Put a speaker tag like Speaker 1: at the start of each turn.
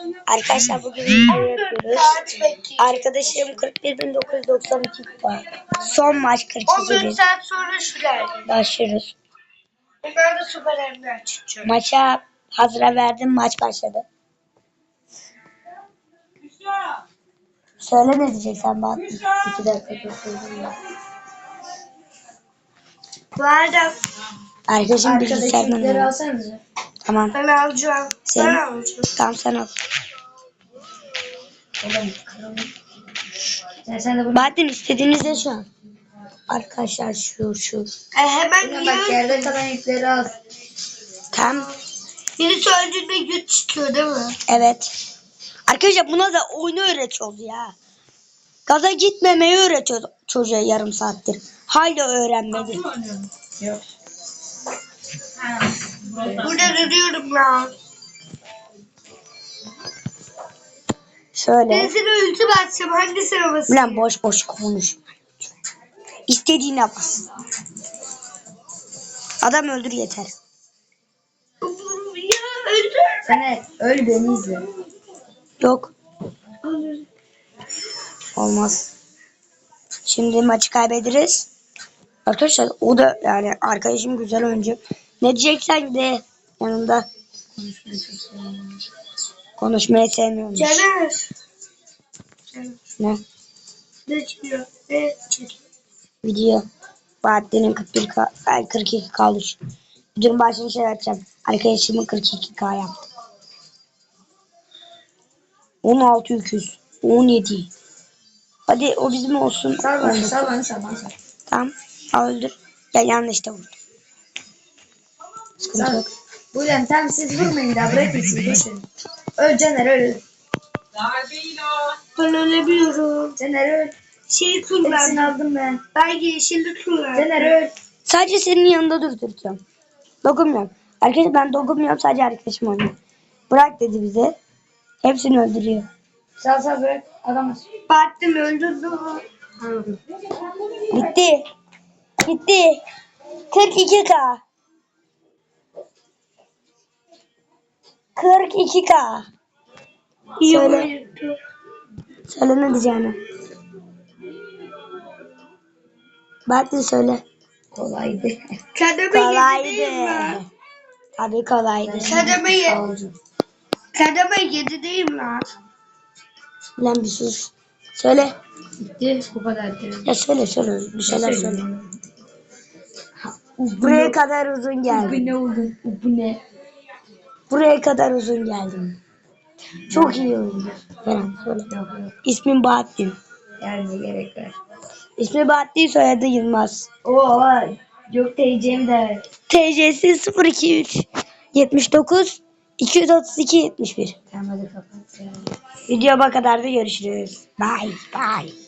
Speaker 1: Arkadaşlar bugün video yapıyoruz. Arkadaşım 41.992 kupa. Son maç 42 bin.
Speaker 2: 14 saat sonra şuraya
Speaker 1: Başlıyoruz.
Speaker 2: Ben de süper emri açacağım.
Speaker 1: Maça hazıra verdim. Maç başladı. Söyle ne diyeceksen bak. 2 dakika gösterdim ya.
Speaker 2: Bu arada
Speaker 1: Arkadaşım bilgisayardan
Speaker 3: alsanıza.
Speaker 1: Tamam.
Speaker 2: ben alacağım.
Speaker 1: Sen,
Speaker 2: Ben alacağım.
Speaker 1: tamam sen al.
Speaker 3: Sen de bunu
Speaker 1: Bahattin istediğinizde şu an. Arkadaşlar şu.
Speaker 2: Hemen
Speaker 3: bak,
Speaker 2: yiyoruz.
Speaker 3: yerde kalan yükleri al.
Speaker 1: Tam
Speaker 2: Birisi öldüğünde güç çıkıyor değil mi?
Speaker 1: evet. Arkadaşlar buna da oyunu öğretiyoruz ya. Gaza gitmemeyi öğretiyoruz çocuğa yarım saattir. Hala öğrenmedi.
Speaker 3: Yok.
Speaker 2: Burada duruyorum ya.
Speaker 1: Şöyle.
Speaker 2: Ben sana ulti basacağım. Hangisine basayım?
Speaker 1: Ulan boş boş konuşma. İstediğine bas. Adam öldür yeter.
Speaker 2: Ya öldür.
Speaker 3: Sen öl beni izle.
Speaker 1: Yok. Olmaz. Şimdi maçı kaybederiz. Arkadaşlar o da yani arkadaşım güzel oyuncu. Ne diyeceksen de yanında. Konuşmayı sevmiyormuş.
Speaker 2: Caner.
Speaker 1: Ne?
Speaker 2: Ne çıkıyor? Ne çıkıyor?
Speaker 1: Video. Bahattin'in 42 kalmış. Videonun başını şey yapacağım. Arkadaşımın 42K yaptı. 16 17. Hadi o bizim olsun.
Speaker 3: Sal bana,
Speaker 1: 19.
Speaker 3: sal bana, sal bana.
Speaker 1: Tamam. Al öldür. Ya yanlış da vurdum. Sıkıntı
Speaker 3: Sal.
Speaker 1: yok.
Speaker 3: Buyurun tamam siz vurmayın daha bırakın siz geçin. Öl Caner öl.
Speaker 2: Ben ölemiyorum.
Speaker 3: Caner öl.
Speaker 2: Şey
Speaker 3: Hepsini
Speaker 2: kullan.
Speaker 3: aldım ben.
Speaker 2: Ben yeşilli kullan.
Speaker 3: Caner öl.
Speaker 1: Sadece senin yanında durduracağım. Dokunmuyorum. Arkadaşlar ben dokunmuyorum. Sadece arkadaşım oynuyor. Bırak dedi bize. Hepsini öldürüyor.
Speaker 3: Sal bırak. Alamaz.
Speaker 2: Battım öldürdüm.
Speaker 1: Bitti. Bitti. 42K. 42K.
Speaker 2: İyi
Speaker 1: Söyle.
Speaker 2: oyundu.
Speaker 1: Söyle ne diyeceğini. Bahattin söyle.
Speaker 3: Kolaydı.
Speaker 2: Kademe
Speaker 1: Kolaydı.
Speaker 2: 7 değil mi?
Speaker 1: Abi kolaydı.
Speaker 2: Kademe 7 değil mi lan?
Speaker 1: Lan bir sus. Söyle.
Speaker 3: Bitti. Bu kadar.
Speaker 1: Ya söyle. Bir şeyler söyle. Buraya kadar uzun geldim.
Speaker 3: ne oldu? Bu ne?
Speaker 1: Buraya kadar uzun geldim. Çok iyi oyuncu. Falan söyle.
Speaker 3: Yok.
Speaker 1: İsmim Bahattin.
Speaker 3: Yani gerek var.
Speaker 1: İsmi Bahattin, soyadı Yılmaz.
Speaker 3: Oo, yok diyeceğim de.
Speaker 1: TC'si 023 79 232 71.
Speaker 3: Tamam hadi kapat.
Speaker 1: Videoya kadar da görüşürüz. Bye bye.